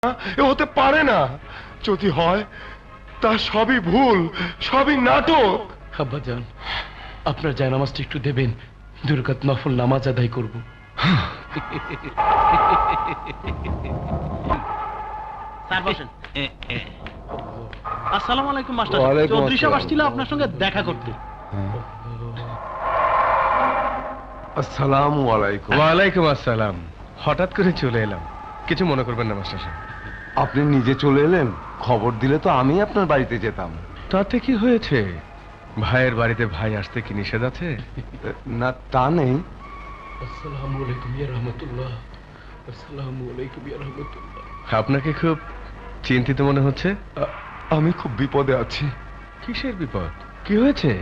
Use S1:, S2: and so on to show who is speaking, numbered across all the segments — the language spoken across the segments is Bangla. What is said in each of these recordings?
S1: এ হতে পারে না। যদি হয় তা সবই ভুল, সবই নাটক।
S2: আব্বাজান, আপনার জায়নামাজটা একটু দেবেন, 2 রাকাত নফল নামাজ আদায় করব।
S3: স্যার বসেন। আসসালামু আলাইকুম মাস্টার।
S1: ওয়ালাইকুম
S3: চৌধুরী সাহেব
S1: আসসালাম।
S3: আসছিল আপনার সঙ্গে দেখা করতে।
S1: আসসালামু আলাইকুম।
S4: ওয়ালাইকুম আসসালাম। হঠাৎ করে চলে এলাম, কিছু মনে করবেন না মাস্টার সাহেব।
S1: আপনি নিজে চলে এলেন, খবর দিলে তো আমি আপনার বাড়িতে যেতাম।
S4: তাতে কি হয়েছে? ভাইয়ের বাড়িতে ভাই আসতে কি নিষেধ আছে?
S1: না তা নেই।
S2: আসসালামু আলাইকুম ইয়া রাহমাতুল্লাহ। আসসালামু আলাইকুম ইয়া রাহমাতুল্লাহ।
S4: আপনাকে খুব চিন্তিত মনে হচ্ছে।
S1: আমি খুব বিপদে আছি।
S4: কিসের বিপদ? কি হয়েছে?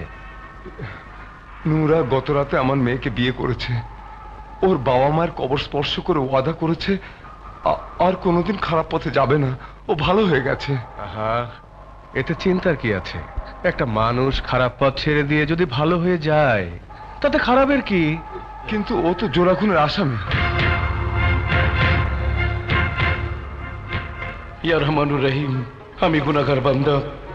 S1: নূরা গত রাতে আমার মেয়েকে বিয়ে করেছে। ওর বাবা মায়ের কবর স্পর্শ করে ওয়াদা করেছে আর কোনোদিন খারাপ পথে যাবে না। ও ভালো হয়ে গেছে।
S4: আহা, এতে চিন্তার কি আছে? একটা মানুষ খারাপ পথ ছেড়ে দিয়ে যদি ভালো হয়ে যায়, তাতে খারাপের কি?
S1: কিন্তু ও তো জোড়া খুনের আসামি।
S2: ইয়া রহমানুর রহিম, আমি গুনাহগার বান্দা।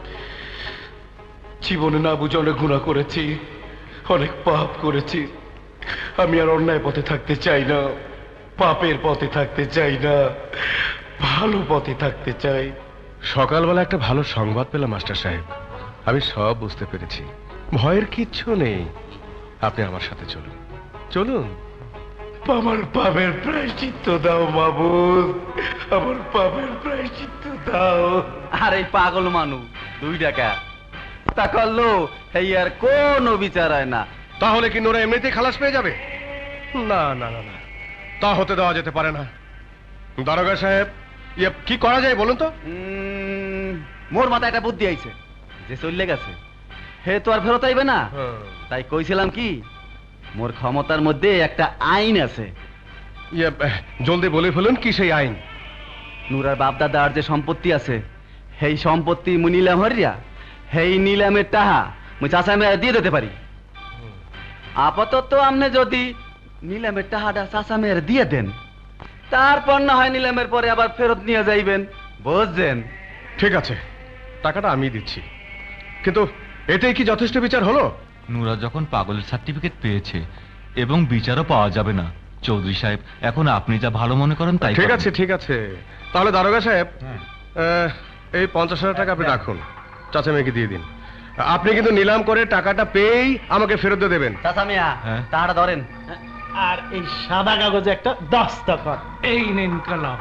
S2: জীবনে না বুঝে অনেক গুনাহ করেছি, অনেক পাপ করেছি। আমি আর অন্যায় পথে থাকতে চাই না, পাপের পথে থাকতে চাই না, ভালো পথে থাকতে চাই।
S4: সকালবেলা একটা ভালো সংবাদ পেলাম মাস্টার সাহেব। আমি সব বুঝতে পেরেছি, ভয়ের কিচ্ছু নেই। আপনি আমার সাথে চলুন, চলুন।
S2: আমার পাপের প্রায়শ্চিত্ত দাও মাবুদ, আমার পাপের প্রায়শ্চিত্ত দাও।
S3: আর এই পাগল মানুষ 2 টাকা তা করলো, এই আর কোনো বিচার হয় না।
S4: তাহলে কি নোরা এমনিতেই খালাস পেয়ে যাবে? না না না না, তা হতে দেওয়া যেতে পারে না। দারোগা সাহেব, ইয়ে কি করা যায় বলুন তো?
S3: মোর মাথায় একটা বুদ্ধি আইছে, যে চললে গেছে হে তো আর ফেরত আইবে না। তাই কইছিলাম কি, মোর ক্ষমতার মধ্যে একটা আইন আছে।
S4: ইয়ে জলদি বলে ফেলুন, কি সেই আইন?
S3: নুরার বাপ দাদার যে সম্পত্তি আছে, সেই সম্পত্তি মুই নিলাম হরিয়া, সেই নিলামের টাহা মুই চাচা মেয়ে দিয়ে দিতে পারি। আপাতত আপনি যদি নিলামের টাহাটা চাচা মেয়ের দিয়ে দেন, তারপর না হয় নিলামের পরে আবার ফেরত নিয়ে যাইবেন, বুঝছেন?
S4: ঠিক আছে, টাকাটা আমি দিচ্ছি, কিন্তু এটাই কি যথেষ্ট বিচার হলো?
S5: নুরা যখন পাগলের সার্টিফিকেট পেয়েছে এবং বিচারও পাওয়া যাবে না, চৌধুরী সাহেব এখন আপনি যা ভালো মনে করেন তাই
S4: ঠিক
S5: করেন।
S4: আছে ঠিক আছে, তাহলে দারোগা সাহেব এই 50,000 টাকা আপনি রাখুন, চাচা মেয়েকে দিয়ে দিন। আপনি কিন্তু নিলাম করে টাকাটা পেয়েই আমাকে ফেরত দিয়ে দেবেন।
S3: চাচা মিয়া
S5: হ্যাঁ?
S3: টাকাটা ধরেন।
S6: আর এই সাদা কাগজে একটা দস্তখত, এই নিন কলম।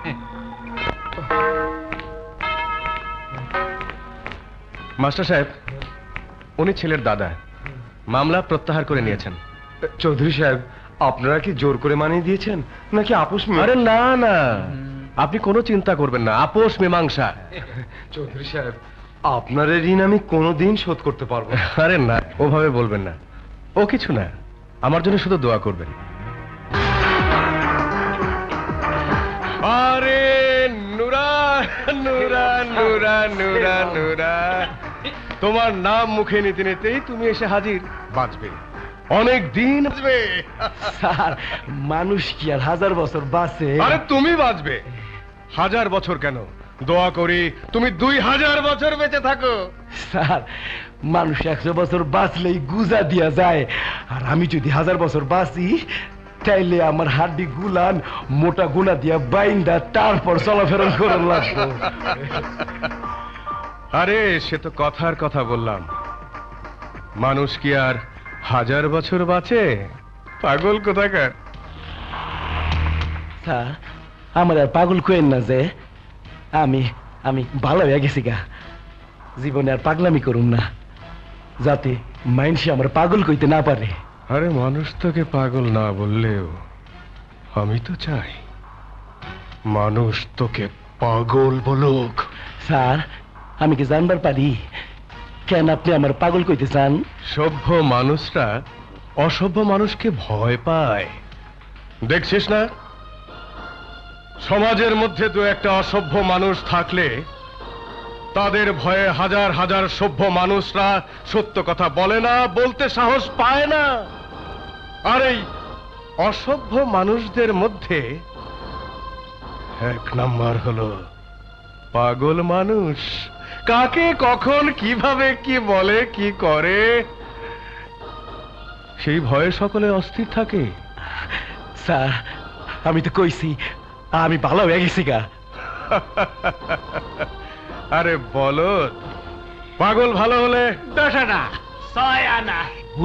S4: মাস্টার সাহেব, উনি ছেলের দাদা, মামলা প্রত্যাহার করে নিয়েছেন।
S1: চৌধুরী সাহেব, আপনারা কি জোর করে মানিয়ে দিয়েছেন নাকি আপোষ
S4: আরে না না, আপনি কোনো চিন্তা করবেন না, আপোষ মীমাংসা।
S1: চৌধুরী সাহেব, আপনার এই ঋণ আমি কোনোদিন শোধ করতে পারবো না।
S4: আরে না, ওভাবে বলবেন না। ও কিছু না, আমার জন্য শুধু দোয়া করবেন। আরে নুরা নুরা নুরা নুরা নুরা, তোমার নাম মুখে নিতে নিতেই তুমি এসে হাজির। বাঁচবে, অনেক দিন বাঁচবে।
S2: স্যার, মানুষ কি আর 1000 বছর বাঁচে?
S4: আরে তুমি বাঁচবে, 1000 বছর কেন, দোয়া করি তুমি 2000 বছর বেঁচে থাকো।
S2: স্যার, মানুষ 100 বছর বাঁচলেই গুজা দিয়া যায়, আর আমি যদি 1000 বছর বাঁচি, তাইলে আমার হাড্ডি গুলান মোটা গুনা দিয়া বাইন্দা তারপর চলাফেরা করার লাগবে।
S4: আরে সে তো কথার কথা বললাম, মানুষ কি আর 1000 বছর বাঁচে? পাগল কোথাকার।
S2: স্যার, আমার আর পাগল কইেন না যে, আমি আমি ভালো হয়ে গেছি গা, জীবনে আর পাগলামি করুম না, যাতে মাইনসে আমার পাগল কইতে না পারে।
S4: আরে মানুষ তোকে পাগল না বললেও আমি তো চাই মানুষ তোকে পাগল বলুক।
S2: স্যার, আমি কি জানবার পারি কেন আপনি আমার পাগল কইতে চান?
S4: সভ্য মানুষরা অসভ্য মানুষকে ভয় পায়, দেখছিস না? সমাজের মধ্যে দু একটা অসভ্য মানুষ থাকলে তাদের ভয়ে হাজার হাজার সভ্য মানুষরা সত্য কথা বলে না, বলতে সাহস পায় না। আর এই অসভ্য মানুষদের মধ্যে এক নাম্বার হলো পাগল মানুষ, কাকে কখন কিভাবে কি বলে কি করে সেই ভয়ে সকলে অস্থির থাকে।
S2: স্যার আমি তো কইছি আমি ভালো হয়ে গেছি গা।
S4: আরে বলো, পাগল ভালো হলে
S6: 10 আনা 6 আনা